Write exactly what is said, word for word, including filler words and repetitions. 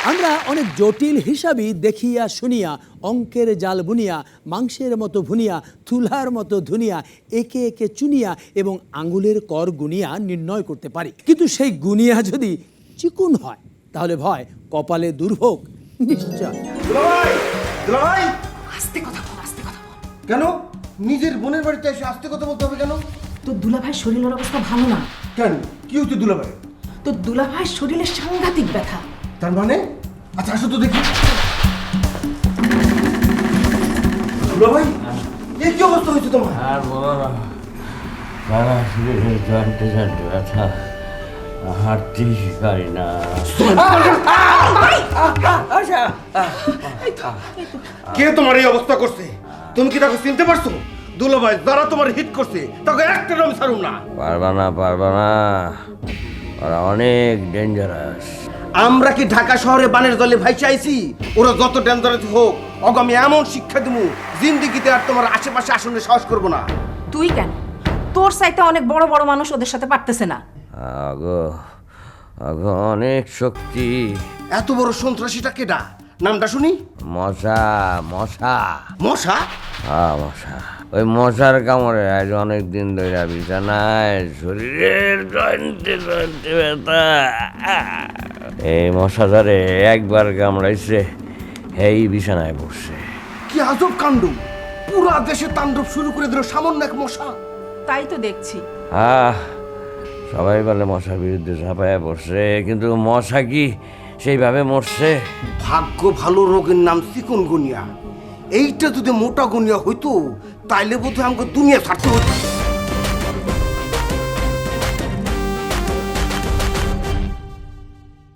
আমরা অনেক জটিল হিসাবই দেখিয়া শুনিয়া অঙ্কের জাল বুনিয়া মাংসের মতো ভুনিয়া তুলার মতো ধুনিয়া একে একে চুনিয়া এবং আঙ্গুলের কর গুনিয়া নির্ণয় করতে পারি, কিন্তু সেই গুনিয়া যদি চিকুন হয় তাহলে ভয় কপালে দুর্ভোগ নিশ্চয়। দুলাভাই, দুলাভাই, আস্তে কথা বল, আস্তে কথা বল। কেন নিজের বোনের বাড়িতে এসে আস্তে কথা বলতে হবে কেন? তোর দুলাভাইয়ের শরীরের অবস্থা ভালো না। কেন কি হচ্ছে দুলাভাই? তোর দুলাভাইয়ের শরীরে সাংঘাতিক ব্যথা। তার মানে? আচ্ছা আসো তো দেখি। দুলাভাই, এ কি অবস্থা হয়েছে তোমার? আর বলো না, সারা শরীরে জানতে জানতে ব্যথা, হাঁটতেই পারি না। কে তোমার এই অবস্থা করছে? তুমি কি তাকে চিনতে পারছো? দুলাভাই যারা তোমার হিট করছে তাকে একটা নাম ছাড়ুম না। পারবা না, পারবা না, ওরা অনেক ডেঞ্জারাস। আমরা কি ঢাকা শহরে বানের জলে ভাই চাইছি? ওরা যত ডেঞ্জারাস হোক, ওকে আমি এমন শিক্ষা দেবো জিন্দিগিতে আর তোমার আশেপাশে আসলে সাহস করবো না। তুই কেন? তোর সাইতে অনেক বড় বড় মানুষ ওদের সাথে পারতেছে না। আগো আগো অনেক শক্তি। এত বড় সন্ত্রাসীটা কেডা? নামটা শুনি। মশা, মশা, মশা? হ্যাঁ মশা। ওই মশার কামড়ে আজ অনেক দিন ধরে বিছানায়, শরীরের জয়েন্টে জয়েন্টে ব্যথা। এই মশা ধরে একবার কামড়াইছে, এই বিছানায় বসছে। কি আজব কাণ্ড! পুরা দেশে তাণ্ডব শুরু করে দিল সামান্য এক মশা। তাই তো দেখছি। আহ সবাই বলে মশার বিরুদ্ধে ঝাঁপায়া পড়ছে, কিন্তু মশা কি সেইভাবে মরছে? ভাগ্য ভালো রোগের নাম চিকুনগুনিয়া। এইটা যদি মোটা গুনিয়া হইতো তাইলে বোধহয় আমাকে দুনিয়া ছাড়তে হতো।